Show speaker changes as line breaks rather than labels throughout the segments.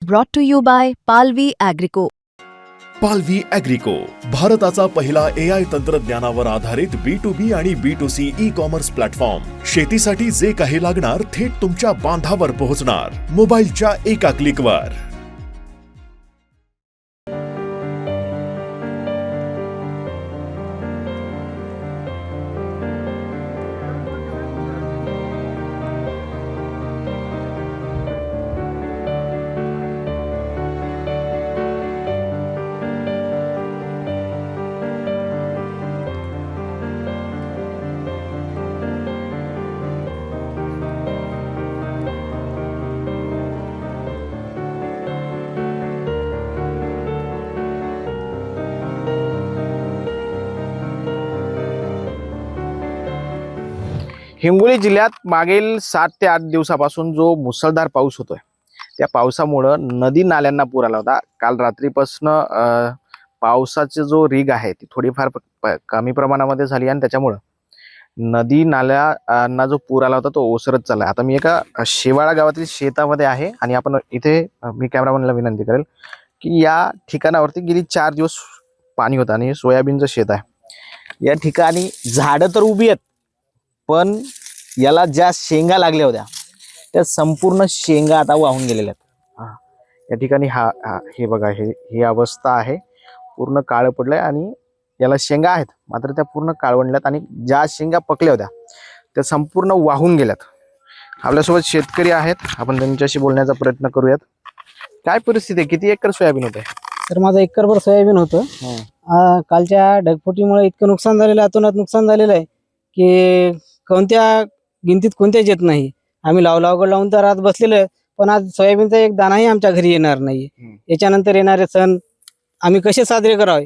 brought to you by Palvi Agrico.
पालवी ॲग्रिको, भारताचा पहिला AI तंत्रज्ञानावर आधारित B2B आणि B2C ई-कॉमर्स प्लॅटफॉर्म. शेतीसाठी जे काही लागणार थेट तुमच्या बांधावर पोहोचणार, मोबाईलच्या एका क्लिकवर.
हिंगोली जिल्ह्यात मागील 7 ते 8 दिवसापासून जो मुसळधार पाऊस होतोय, त्या पावसामुळं नदी नाल्यांना पूर आला होता. काल रात्रीपासून पावसाची जो रीग आहे ती थोडीफार कमी प्रमाणामध्ये झाली आणि त्याच्यामुळं नदी नाल्यांना जो पूर आला होता तो ओसरत चालला. आता मी एका शेवाळा गावातील शेतामध्ये आहे आणि आपण इथे मी कॅमेरामॅनला विनंती करेल की या ठिकाणावरती गेली 4 दिवस पाणी होतं आणि सोयाबीनचं शेत आहे. या ठिकाणी झाडं तर उभी आहेत, पण याला ज्या शेंगा लागल्या होत्या त्या संपूर्ण शेंगा आता वाहून गेलेल्या आहेत. या ठिकाणी हे बघा, ही अवस्था आहे. पूर्ण काळं पडलंय आणि याला शेंगा आहेत मात्र त्या पूर्ण काळवंडल्यात आणि ज्या शेंगा पकल्या होत्या त्या संपूर्ण वाहून गेल्यात. आपल्यासोबत शेतकरी आहेत, आपण त्यांच्याशी बोलण्याचा प्रयत्न करूयात. काय परिस्थिती आहे? किती एकर सोयाबीन होते?
तर माझं एकरभर सोयाबीन होतं. कालच्या ढगफुटीमुळे इतकं नुकसान झालेलं आहे, अतोनात नुकसान झालेलं आहे की कोणत्या गिनतीत कोणत्याच येत नाही. आम्ही लावगड लावून तर आज बसलेलो आहे, पण आज सोयाबीनचा एक दाणाही आमच्या घरी येणार नाही. याच्यानंतर येणारे सण आम्ही कसे साजरे करावे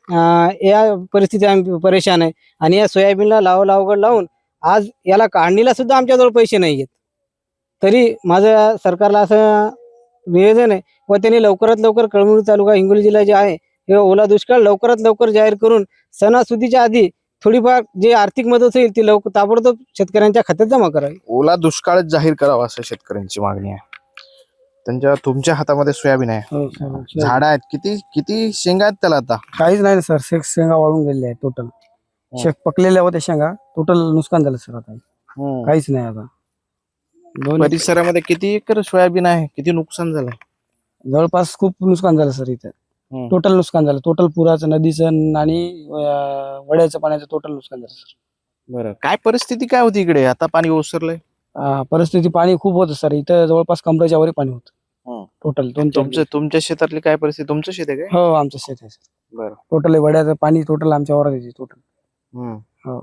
या परिस्थितीत आम्ही परेशान आहे. आणि या सोयाबीनला लावगड लावून आज याला काढणीला सुद्धा आमच्याजवळ पैसे नाही आहेत. तरी माझं सरकारला असं निवेदन आहे व त्यांनी लवकरात लवकर कळमनुरी तालुका हिंगोली जिल्हा जे आहे हे ओला दुष्काळ लवकरात लवकर जाहीर करून सणासुदीच्या आधी थोडीफार जे आर्थिक मदत होईल ती ताबडतोब शेतकऱ्यांच्या खात्यात जमा करावी.
ओला दुष्काळच जाहीर करावा असं शेतकऱ्यांची मागणी आहे. तुमच्या हातामध्ये सोयाबीन आहे, झाड आहेत. किती शेंगा आहेत त्याला आता?
काहीच नाही सर, शेंगा वाळून गेलेल्या आहेत टोटल. पकलेल्या होत्या शेंगा, टोटल नुकसान झालं सर. आता काहीच नाही. आता
परिसरामध्ये किती एकर सोयाबीन आहे? किती नुकसान झालं?
जवळपास खूप नुकसान झालं सर. इथं टोटल नुकसान झालं. टोटल पुराचं, नदीचं आणि वड्याचं पाण्याचं टोटल नुकसान झालं सर.
बरं, काय परिस्थिती काय होती इकडे? आता पाणी ओसरलंय.
परिस्थिती पाणी खूप होतं सर. इथं जवळपास कमरेच्या वर पाणी होतं टोटल.
तुमच्या शेतातली काय परिस्थिती? तुमचं शेत आहे काय?
हो, आमचं शेत आहे सर.
बरं,
टोटल वड्याचं पाणी टोटल आमच्या वरात येते टोटल.
हो.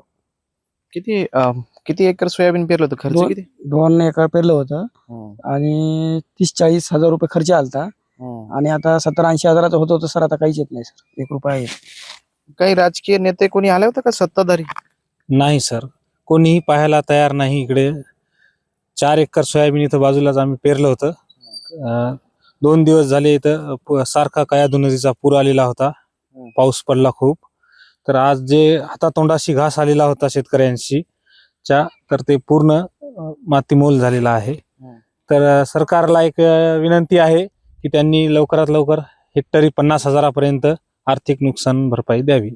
किती एकर सोयाबीन पेरलं होतं? खर्च किती?
2 एकर पेरलं होतं आणि 30-40 हजार रुपये खर्च आलता. आणि आता 70-80 हजाराचं होत होतं सर. आता काहीच येत नाही सर, 1 रुपया येत.
काही राजकीय नेते कोणी आले होते का, सत्ताधारी?
नाही सर, कोणीही पाहायला तयार नाही. इकडे 4 एकर सोयाबीन इथं बाजूलाच आम्ही पेरलं होतं. 2 दिवस झाले इथं सारखा कयाधू नदीचा पूर आलेला होता. पाऊस पडला खूप. तर आज जे हातातोंडाशी घास आलेला होता शेतकऱ्यांशी तर ते पूर्ण मातीमोल झालेला आहे. तर सरकारला एक विनंती आहे की त्यांनी लवकरात लवकर हेक्टरी 50 हजारापर्यंत आर्थिक नुकसान भरपाई द्यावी.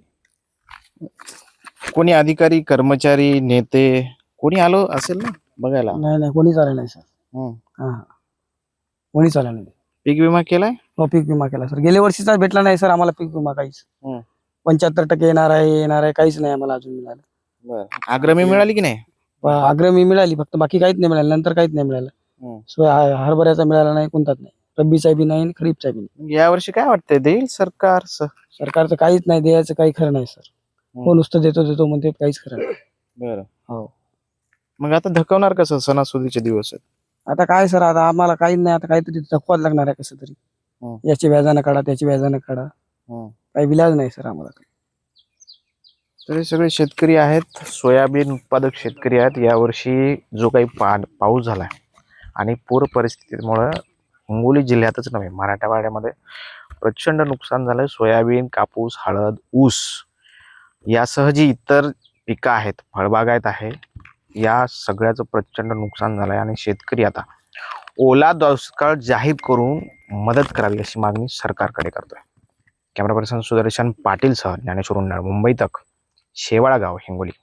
कोणी अधिकारी, कर्मचारी, नेते कोणी आलो असेल ना बघायला?
नाही, कोणीच आलं नाही सर. कोणीच आलं नाही.
पीक विमा केलाय?
हो, पीक विमा केला सर. गेल्या वर्षीचा भेटला नाही सर आम्हाला पीक विमा काहीच. 75% येणार आहे काहीच नाही आम्हाला अजून मिळालं.
बरं, अग्रमी मिळाली की नाही?
अग्रमी मिळाली फक्त, बाकी काहीच नाही मिळालं. नंतर काहीच नाही मिळालं. हरभऱ्याचा मिळाला नाही, कोणताच नाही. रब्बीचा बी नाही, खरीपचा बी नाही.
या वर्षी काय वाटतंय, देईल
सरकारचं काहीच नाही, द्यायचं काही खरं नाही सर. हो, नुसतं देतो म्हणते, काहीच खरं नाही.
बरं, हो. मग आता धकवणार कसं? सणासुदीचे दिवस आहेत.
आता काय सर, आता आम्हाला काही नाही. आता काहीतरी धकवाच लागणार आहे कसं तरी. याची व्याजानं काढा, त्याची व्याजानं काढा, काही विलाज नाही सर आम्हाला.
तर हे सगळे शेतकरी आहेत, सोयाबीन उत्पादक शेतकरी आहेत. यावर्षी जो काही पाऊस झालाय आणि पूर परिस्थितीमुळे हिंगोली जिल्ह्यातच नव्हे मराठवाड्यामध्ये प्रचंड नुकसान झालंय. सोयाबीन, कापूस, हळद, ऊस यासह जी इतर पिकं आहेत, फळबागायत आहे, या सगळ्याचं प्रचंड नुकसान झालंय आणि शेतकरी आता ओला दुष्काळ जाहीर करून मदत करावी अशी मागणी सरकारकडे करतोय. कॅमेरा पर्सन सुदर्शन पाटील सह ज्ञानेश्वर उंडाळ, मुंबई तक, शेवाळा गाव, हिंगोली.